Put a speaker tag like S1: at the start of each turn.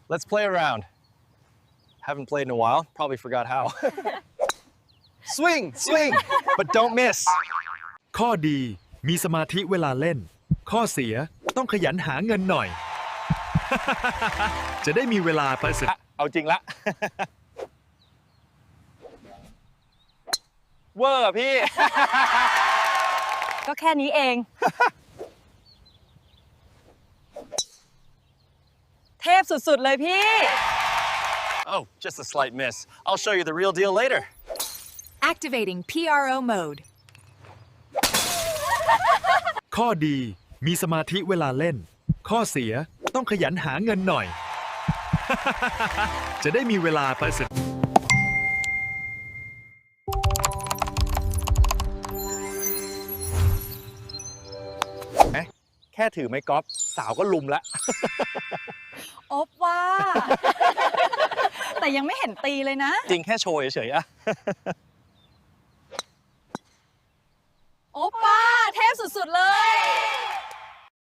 S1: Let's play around. Haven't played in a while. Probably forgot how. Swing, swing, but don't miss.
S2: ข้อดีมีสมาธิเวลาเล่น ข้อเสียต้องขยันหาเงินหน่อย จะได้มีเวลาไปศึก
S1: เอาจริงละ เวอร์อะพี่
S3: ก็แค่นี้เอง เทพสุดๆเลยพี่
S1: Oh, just a slight miss. I'll show you the real deal later.
S4: Activating PRO mode.
S2: ข้อดีมีสมาธิเวลาเล่น ข้อเสียต้องขยันหาเงินหน่อย จะได้มีเวลาไปศึก
S1: แค่ถือไม้กอล์ฟสาวก็ลุมแล้ว
S3: อบว่า แต่ยังไม่เห็นตีเลยนะ
S1: จริงแค่โชว์เฉยๆอะ
S3: โอป้าเทพสุดๆเลย